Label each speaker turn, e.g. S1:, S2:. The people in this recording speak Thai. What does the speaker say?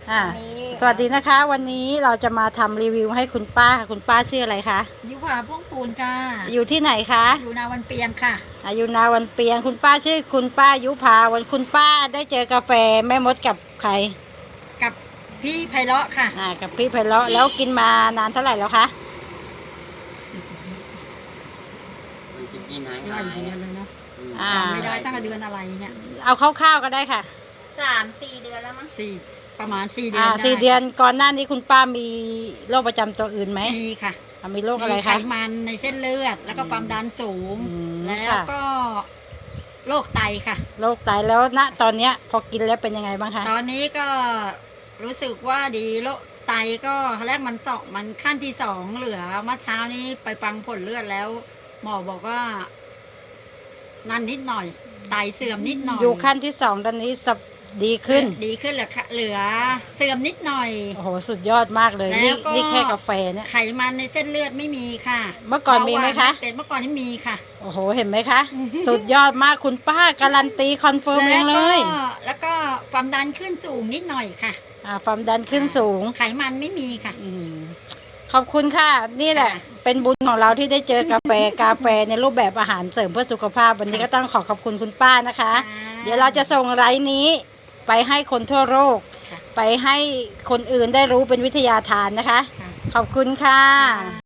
S1: อ่าสวัสดีนะคะวันนี้เราจะมาทำรีวิวให้คุณป้าค่ะคุณป้าชื่ออะไรคะ
S2: ยุพาพ่วงปูนค่ะ
S1: อยู่ที่ไหนคะ
S2: อยู่นาวันเปียงค่ะ
S1: อยู่นาวันเปียงคุณป้าชื่อคุณป้ายุพาวันคุณป้าได้เจอกาแฟแม่มดกับใคร
S2: กับพี่ไพเราะค่ะ
S1: กับพี่ไพเราะแล้วกินมานานเท่าไหร่แล้วคะ
S2: กินกี่นานหลายเดือนแล้วเนาะไม่ได้ตั้งแต่เดือนอะไรเนี่ย
S1: เอาคร่าวๆก็ได้ค่ะ
S3: 3-4 เดือนแล้วมั้ง
S2: ประมาณ4 เดือน
S1: 4 เดือนก่อนหน้านี้คุณป้ามีโรคประจำตัวอื่นไหม
S2: มีค่ะ
S1: มีโรคอะไรคะ
S2: ไขมันในเส้นเลือดแล้วก็ความดันสูงแล้วก็โรคไตค่ะ
S1: โรคไตแล้วณตอนนี้พอกินแล้วเป็นยังไงบ้างคะ
S2: ตอนนี้ก็รู้สึกว่าดีโรคไตก็แรกมันขั้นที่2เหลือเมื่อเช้านี้ไปฟังผลเลือดแล้วหมอบอกว่านั่นนิดหน่อยไตเสื่อมนิดหน่อย
S1: อยู่ขั้นที่2ตอนนี้ดีขึ้น
S2: เหลือเสื่อมนิดหน่อย
S1: โอ้โหสุดยอดมากเลยนี่แค่กาแฟเนี่ย
S2: ไขมันในเส้นเลือดไม่มีค่ะ
S1: เมื่อก่อนมีไหมคะ
S2: เป็นเมื่อก่อนนี่มีค่ะ
S1: โอ้โหเห็นไหมคะสุดยอดมากคุณป้าการันตีคอนเฟิร์มเองเลย
S2: แล้วก็ความดันขึ้นสูงนิดหน่อยค่ะ
S1: ความดันขึ้นสูง
S2: ไขมันไม่มีค่ะ
S1: ขอบคุณค่ะนี่แหละเป็นบุญของเราที่ได้เจอกาแฟในรูปแบบอาหารเสริมเพื่อสุขภาพวันนี้ก็ต้องขอบคุณคุณป้านะคะเดี๋ยวเราจะส่งไลน์นี้ไปให้คนทั่วโลกไปให้คนอื่นได้รู้เป็นวิทยาทานนะคะขอบคุณค่ะ